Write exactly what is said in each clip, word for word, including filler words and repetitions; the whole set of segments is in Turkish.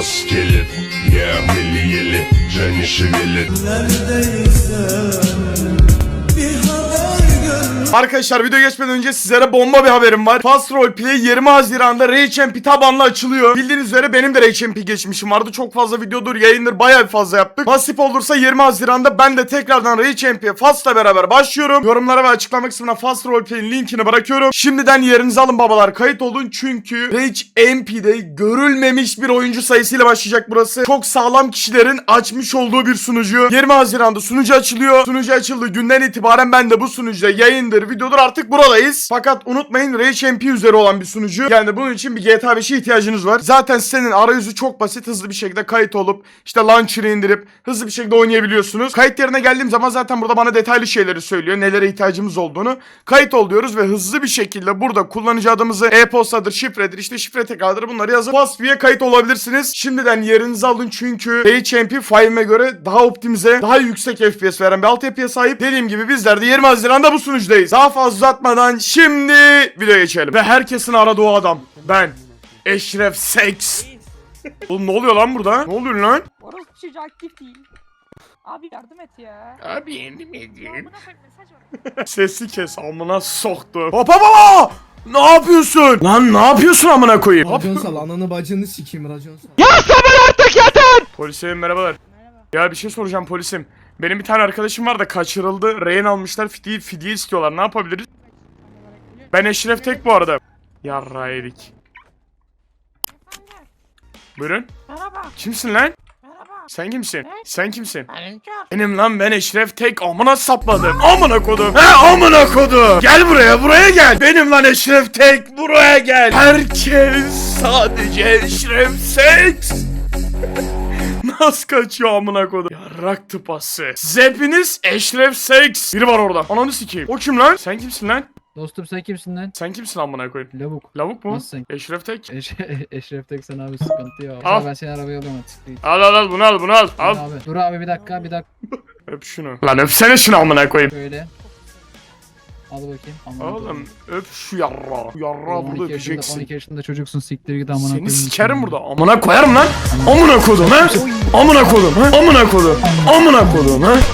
нас келет, yeah, еле-еле және шевелет. Arkadaşlar video geçmeden önce sizlere bomba bir haberim var. Fast Roleplay yirmi Haziran'da Rage M P tabanlı açılıyor. Bildiğiniz üzere benim de Rage M P geçmişim vardı. Çok fazla videodur, yayındır, bayağı bir fazla yaptık. Nasip olursa yirmi Haziran'da ben de tekrardan Rage M P'ye Fast'la beraber başlıyorum. Yorumlara ve açıklama kısmına Fast Roleplay'in linkini bırakıyorum. Şimdiden yerinizi alın babalar, kayıt olun çünkü Rage M P'de görülmemiş bir oyuncu sayısıyla başlayacak burası. Çok sağlam kişilerin açmış olduğu bir sunucu. yirmi Haziran'da sunucu açılıyor. Sunucu açıldığı günden itibaren ben de bu sunucuda yayındır, videodur artık buradayız. Fakat unutmayın Rage M P üzeri olan bir sunucu. Yani bunun için bir G T A beşe ihtiyacınız var. Zaten sitenin arayüzü çok basit. Hızlı bir şekilde kayıt olup işte launcher'ı indirip hızlı bir şekilde oynayabiliyorsunuz. Kayıt yerine geldiğim zaman zaten burada bana detaylı şeyleri söylüyor. Nelere ihtiyacımız olduğunu. Kayıt ol diyoruz ve hızlı bir şekilde burada kullanıcı adımızı e-postadır, şifredir, işte şifre tekrardır, bunları yazıp Fastvi'ye kayıt olabilirsiniz. Şimdiden yerinizi alın çünkü Rage M P five'ime göre daha optimize, daha yüksek F P S veren bir altyapıya sahip. Dediğim gibi bizler de yirmi Haziran'da bu sunucudayız. Daha fazla uzatmadan şimdi videoya geçelim. Ve herkesin aradığı o adam. Ben. Eşref Seks. Oğlum ne oluyor lan burada? Ne oluyor lan? Orası çocuğu aktif değil. Abi yardım et ya. Abi yendim Ya edeyim. buna koy mesaj var. Sesi kes, amına soktu. Hopa baba! Ne yapıyorsun? Lan ne yapıyorsun amına koyayım? Racon sal, ananı bacını sikeyim racon sal. Polisim merhabalar. Ya bir şey soracağım polisim. Benim bir tane arkadaşım var da kaçırıldı. Rehin almışlar, fidye, fidye istiyorlar. Ne yapabiliriz? Ben Eşref Tek bu arada. Yarra yedik. Buyurun. Merhaba. Kimsin lan? Merhaba. Sen kimsin? Ne? Sen kimsin? Benim kör. Benim lan, ben Eşref Tek, amına sapladım. Amına kodum. He amına kodum. Gel buraya, buraya gel. Benim lan Eşref Tek, buraya gel. Herkes sadece Eşref Seks. Nasıl kaçıyor amına kodum? Yarrak tıpası. Siz hepiniz Eşref Seks. Biri var orada. Ananı sikeyim. O kim lan? Sen kimsin lan? Dostum sen kimsin lan? Sen kimsin amına koyayım? Lavuk. Lavuk mu? Nasılsın? Eşref Tek. Eş Eşref tek sen abi sıkıntı yok. Al. Ben seni arabaya alıyorum artık. Al al al, bunu al, bunu al. Al. Abi. Dur abi bir dakika bir dakika. Öp şunu. Lan öpsene şunu amına koyayım. Şöyle. Al bakayım. Aman Oğlum öp şu yarra. Şu yarra burada on iki yaşında, on öpeceksin. iki yaşında çocuksun siktir git amına Seni koyayım. sikerim burada. Amına koyarım lan. Amına kodum ha. Amına kodum ha. Amına kodum. Amına kodum ha.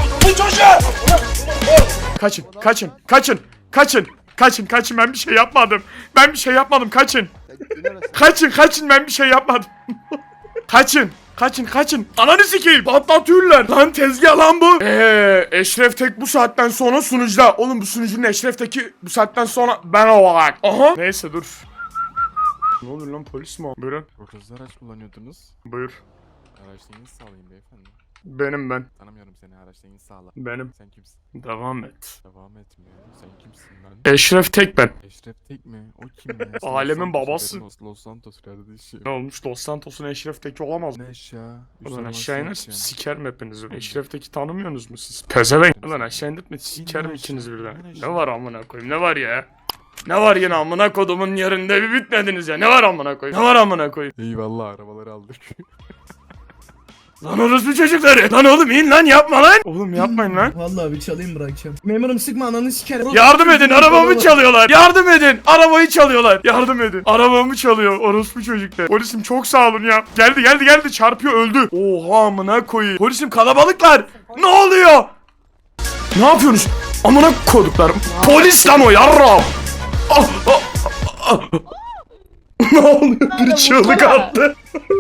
Kaçın, kaçın, kaçın, kaçın. Kaçın, kaçın, ben bir şey yapmadım. Ben bir şey yapmadım, kaçın. Kaçın, kaçın, ben bir şey yapmadım. Kaçın. Kaçın kaçın. Ananı sikeyim. Patlatıyorlar. Lan tezgah lan bu. Eee Eşref Tek bu saatten sonra sunucuda. Oğlum bu sunucunun Eşref Tek'i bu saatten sonra ben olarak. Aha. Neyse dur. Ne oluyor lan, polis mi o? Buyurun. Çok hızlı araç kullanıyordunuz. Buyur. Araçta iniş sağlayın beyefendi. Benim ben. Tanımıyorum seni, araçta iniş sağla. Benim. Sen kimsin? Devam et. Devam etmiyor. Sen kimsin lan? Eşref Tek ben. Eşref Tek mi? O kim ya? Sen Alemin Los Santos babası. haberin olsun, Los Santos kardeşim. Ne olmuş, Los Santos'un Eşref Tek'i olamaz mı? Ne aşağı? Ulan aşağı inersin sikerim hepinizi. Eşref Tek'i tanımıyorsunuz mu siz? Pezevenk. Ulan aşağı indirtme sikerim ikiniz birden. Ne var amına koyayım, ne var ya? Ne var yine amına kodumun yerinde bir bitmediniz ya. Ne var amına koyayım? Ne var amına koyayım? Eyvallah, arabaları aldık. Lan orospu çocukları. Lan oğlum in lan, yapma lan. Oğlum yapmayın lan. Vallahi bir çalayım bırakacağım. Memurum sıkma, ananı sikerim. Yardım edin, arabamı çalıyorlar. Yardım edin, arabayı çalıyorlar. Yardım edin. Arabamı çalıyor orospu çocuklar. Polisim çok sağ olun ya. Geldi geldi geldi, çarpıyor, öldü. Oha amına koyayım. Polisim kalabalıklar. Ne oluyor? Ne yapıyorsunuz? Amına koduklarım. Polis lan o yarram. Ah, ah, ah, ah. Ne oluyor? Bir çığlık attı.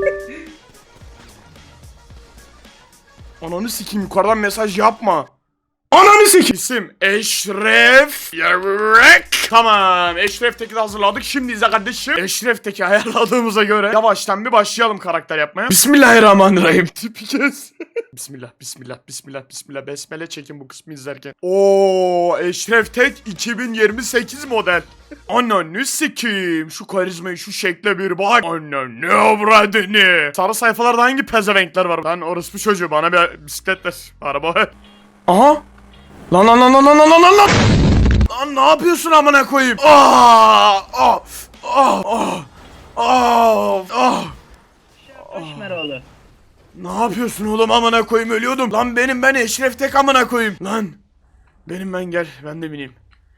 Ananı sikeyim, yukarıdan mesaj yapma. Ananı sikeyim. İsim Eşref Yarrak. Tamam, Eşref Tek'i de hazırladık. Şimdi izle kardeşim. Eşref Tek'i ayarladığımıza göre yavaştan bir başlayalım karakter yapmaya. Bismillahirrahmanirrahim. Tipi kes. Bismillah, bismillah, bismillah, bismillah. Besmele çekin bu kısmı izlerken. Oo, Eşref Tek iki bin yirmi sekiz model. Ananı sikeyim. Şu karizmayı, şu şekle bir bak. Ananı avradını. Sarı sayfalarda hangi pezevenkler var? Lan orospu çocuğu, bana bir bisiklet ver. Araba ver. Aha. Lan lan lan lan lan lan lan lan. Lan ne yapıyorsun amına koyayım? Aa! Ah! Ah! Ah! Ah! Ah! Kaşmeroğlu. Ne yapıyorsun oğlum amına koyayım, ölüyordum. Lan benim ben Eşref Tek amına koyayım. Lan. Benim ben, gel ben de bineyim.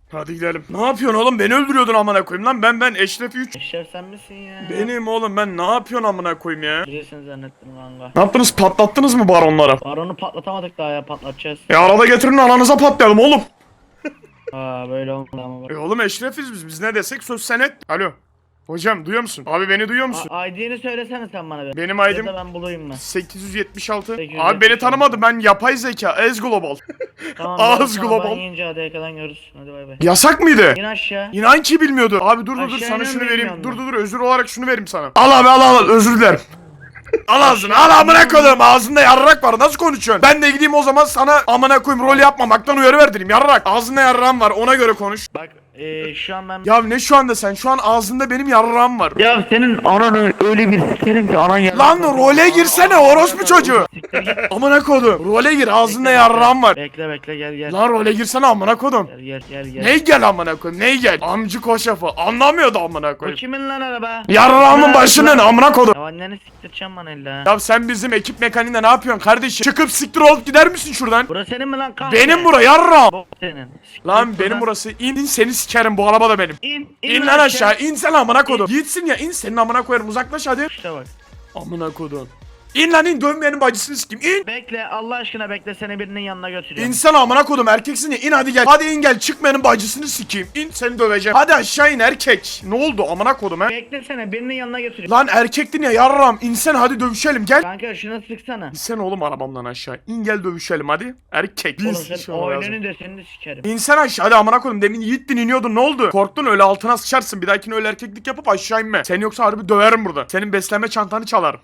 Hadi gidelim. Ne yapıyorsun oğlum? Beni öldürüyordun amına koyayım lan. Ben ben Eşref üç. Eşref sen misin ya? Benim oğlum, ben ne yapıyorsun amına koyayım ya? Biliyorsun zannettim kanka. Ne yaptınız? Patlattınız mı baronlara? Baronu patlatamadık daha ya, patlatacağız. E arada getirin ananıza patlayalım oğlum. Aa böyle olmadı ama bak. E oğlum Eşrefiz biz. Biz ne desek söz senet. Alo. Hocam duyuyor musun? Abi beni duyuyor musun? A- I D'ni söylesene sen bana bir. Benim Ya I D'm da ben bulayım mı? sekiz yüz yetmiş altı. sekiz yüz yetmiş Abi beni altı. tanımadı. Ben yapay zeka. Ez Global. Tamam. Ağız tamam, global. Ben yiyince hadi kadar görürüz. Hadi bay bay. Yasak mıydı? İn aşağı. İnan ki bilmiyordu. Abi dur dur dur Aşağı sana inen şunu vereyim. bilmiyorum Dur ben. dur dur özür olarak şunu vereyim sana. Al abi al al özür dilerim. Al ağzını al amına koyayım, ağzında yarrak var, nasıl konuşuyorsun? Ben de gideyim o zaman sana amına koyayım rol yapmamaktan uyarı verdireyim, yarrak. Ağzında yarrağım var, ona göre konuş. Bak eee şu an ben... Ya ne şu anda sen? Şu an ağzında benim yarrağım var. Ya senin ananı öyle bir sikerim ki anan gel. Lan role girsene orospu çocuğu. Amına kodum. Role gir, ağzında yarrağım var. Bekle bekle gel gel. Lan role girsene amına kodum. Gel gel gel gel. Ney gel amına koyayım, ney gel? Amcı koşafı anlamıyordu amına Bu koyayım. kimin lan araba? Yarrağımın başının amına kodum. Ya anneni siktireceğim bana illa. Ya sen bizim ekip mekaniğinde ne yapıyorsun kardeşim? Çıkıp siktir olup gider misin şuradan? Burası senin mi lan kahve? Benim bura yarrağım. Bu senin. Siktir Lan git benim buradan. burası. İn, in seni sikerim, bu araba da benim. İn. İn lan aşağı, in sen amına kodum. Gitsin ya, in senin amına koyarım, uzaklaş hadi. İşte bak. Amına kodum. İn lan in, dönmeyenin bacısını sikeyim, in. Bekle Allah aşkına bekle, seni birinin yanına götürüyorum. İnsan amına kodum, erkeksin ya, in hadi gel. Hadi in gel, çıkmayanın bacısını sikeyim. İn, seni döveceğim. Hadi aşağı in erkek. Ne oldu amına kodum he? Beklesene, birinin yanına götürüyorum. Lan erkektin ya yarram, insen hadi dövüşelim gel. Kanka şunu sıksana. İnsen oğlum arabamdan aşağı. İn gel dövüşelim hadi. Erkek. Oğlum Bir sen şey olmaz. oyununu da seni de sikerim. İnsan aşağı hadi amına koyayım, demin yiğittin iniyordun ne oldu? Korktun öyle altına sıçarsın, bir dahakine öyle erkeklik yapıp aşağı inme. Seni yoksa harbi döverim burada. Senin beslenme çantanı çalarım.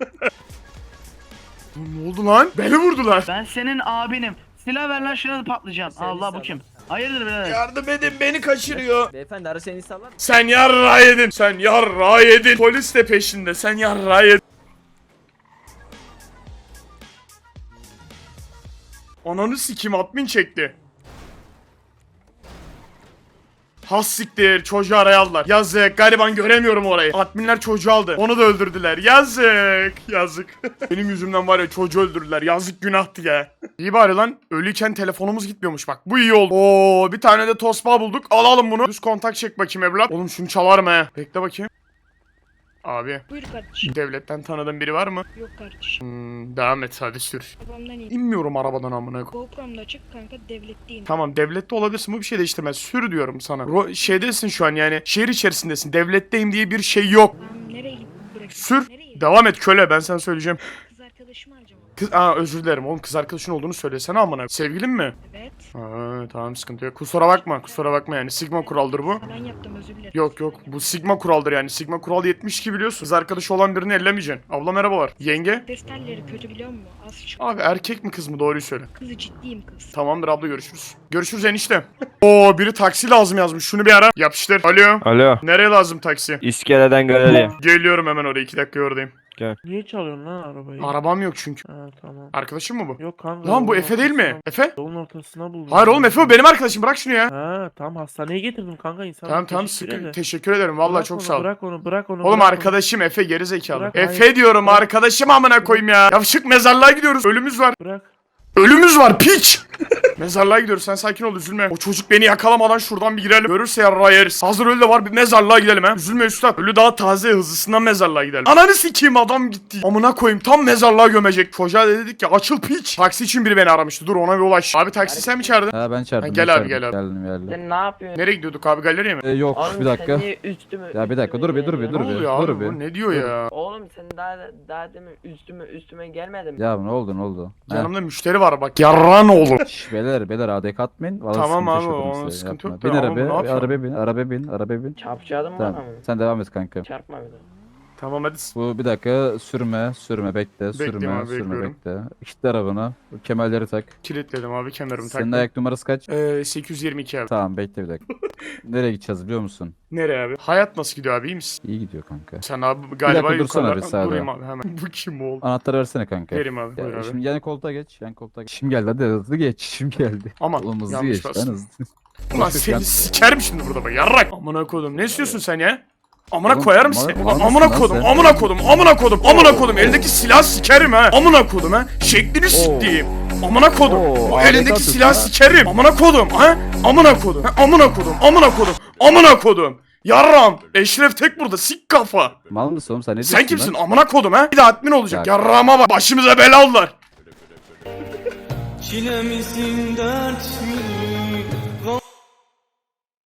Ne oldu lan? Beni vurdular. Ben senin abinim. Silah ver lan, şuna da patlayacağım. Allah bu kim? Hayırdır birader? Yardım edin, beni kaçırıyor. Beyefendi ara seni sallar mı? Sen yarra yedin. Sen yarra yedin. Polis de peşinde. Sen yarra yedin. Ananı sikim, admin çekti. Has siktir, çocuğu araya aldılar. Yazık, gariban göremiyorum orayı. Adminler çocuğu aldı. Onu da öldürdüler. Yazık. Yazık. Benim yüzümden var ya, çocuğu öldürdüler. Yazık, günahtı ya. İyi bari lan. Ölüyken telefonumuz gitmiyormuş bak. Bu iyi oldu. Oo, bir tane de tosbağa bulduk. Alalım bunu. Düz kontak çek bakayım evlat. Oğlum şunu çalarım he. Bekle bakayım. Abi. Buyur kardeşim. Devletten tanıdığın biri var mı? Yok kardeşim. Hmm, devam et hadi sür. Babamdan iyi. İnmiyorum arabadan amına koy. GoPro'mda açık kanka, devletteyim. Tamam devlette olabilirsin, bu bir şey değiştirmez. Sür diyorum sana. Ro şeydesin şu an yani. Şehir içerisindesin. Devletteyim diye bir şey yok. Tamam, nereye gidip bırakayım? Sür. Nereye? Devam et köle, ben sana söyleyeceğim. Kız arkadaşımı harcama. Kız, aa özür dilerim oğlum, kız arkadaşın olduğunu söylesene amına. Sevgilin mi? Evet. Ha, tamam sıkıntı yok. Kusura bakma, kusura bakma yani. Sigma kuraldır bu. Ben yaptım, özür dilerim. Yok yok, bu Sigma kuraldır yani. Sigma kural yetmiş ki biliyorsun. Kız arkadaşı olan birini ellemeyeceksin. Abla merhabalar. Yenge? Testerleri kötü biliyor musun? Az çok. Abi erkek mi kız mı, doğruyu söyle. Kızı ciddiyim kız. Tamamdır abla, görüşürüz. Görüşürüz enişte. Oo, biri taksi lazım yazmış. Şunu bir ara. Yapıştır. Alo. Alo. Nereye lazım taksi? İskeleden galeriye. Geliyorum hemen oraya, iki dakika oradayım. Niye çalıyorsun lan arabayı? Arabam yok çünkü. Ha tamam. Arkadaşım mı bu? Yok kanka. Lan bu yolun Efe değil mi? ortasına- Efe? Yolun ortasına buldum. Hayır oğlum, Efe o benim arkadaşım, bırak şunu ya. Ha tamam, hastaneye getirdim kanka, insan. Tamam tamam, sıkı. Teşekkür ederim vallahi, Bırak çok onu, sağ ol. Bırak onu bırak onu. Oğlum bırak onu. arkadaşım Efe, geri zekalı. Bırak, Efe hayır. diyorum, Bırak. arkadaşım amına koyayım ya. Yavşık, mezarlığa gidiyoruz. Ölümüz var. Bırak. Ölümüz var piç. Mezarlığa gidiyoruz, sen sakin ol, üzülme. O çocuk beni yakalamadan şuradan bir girelim. Görürse yarrağı yeriz. Hazır ölü de var, bir mezarlığa gidelim ha. Üzülme üstad. Ölü daha taze, hızlısından mezarlığa gidelim. Ananı sikeyim, adam gitti. Amına koyayım, tam mezarlığa gömecek. Çocuğa da dedik ya açıl piç. Taksi için biri beni aramıştı, dur ona bir ulaş. Abi taksi sen mi çağırdın? Ha ben çağırdım. Ha, gel ben abi, çağırdım. gel abi. Geldim geldim. Sen ne yapıyorsun? Nereye gidiyorduk abi, galeriye mi? Ee, yok Oğlum bir dakika. sen niye üstüme Ya bir dakika, dur bir, dur bir, Ne dur bir. oluyor dur abi bir. bu, ne diyor ya? Oğlum sen daha daha demin üstüme üstüme gelmedin mi? Ya ne oldu ne oldu? Ha. Yanımda müşteri var bak, yarrağın oğlu. Şş, beyler beyler adek atmayın. Vallahi Tamam sıkıntı abi, yaşadım onun size, sıkıntı yapma. yok da Bin ama bu ne arabaya, yapıyor? arabaya bin, arabaya bin, arabaya bin. Çarpacağım mı Tamam, bana mı? sen devam et kanka. Çarpma bir de. Tamam hadi. Bu bir dakika sürme, sürme bekle, Bekleyeyim sürme, abi, sürme bekliyorum. bekle. İşte arabanı, bu kemerleri tak. Kilitledim abi, kemerimi Senin taktım. ayak numarası kaç? Ee, sekiz yüz yirmi iki abi. Tamam bekle bir dakika. Nereye gideceğiz biliyor musun? Nereye abi? Hayat nasıl gidiyor abi, iyi misin? İyi gidiyor kanka. Sen abi galiba dakika dursana yukarıda- bir sağda. Durayım abi hemen. Bu kim oğlum? Anahtarı versene kanka. Verim abi, buyur Ya, abi. şimdi yan koltuğa geç, yan koltuğa geç. Şimdi geldi hadi hızlı geç, şimdi geldi. Aman, Oğlum hızlı yanlış geç, bastım. lan hızlı. Ulan seni sikerim şimdi burada bak, yarrak. Amına kodum, ne istiyorsun sen ya? Amına Oğlum, koyarım mal- seni. mal mısın Amına lan kodum, sen? amına kodum, amına kodum, amına kodum. Eldeki silah sikerim ha. Amına kodum ha. Şeklini siktiğim. Amına kodum. Oo, O alet elindeki atıyorsun silahı ha. sikerim. Amına kodum. Ha? Amına kodum. Ha? Amına kodum. Amına kodum. Amına kodum. Yarram. Eşref tek burada. Sik kafa. Mal mısın oğlum sen ne diyorsun Sen kimsin? lan? Amına kodum ha? Bir de admin olacak. Ya- Yarrağıma bak. Başımıza bela oldular. Çilemizin dert mi?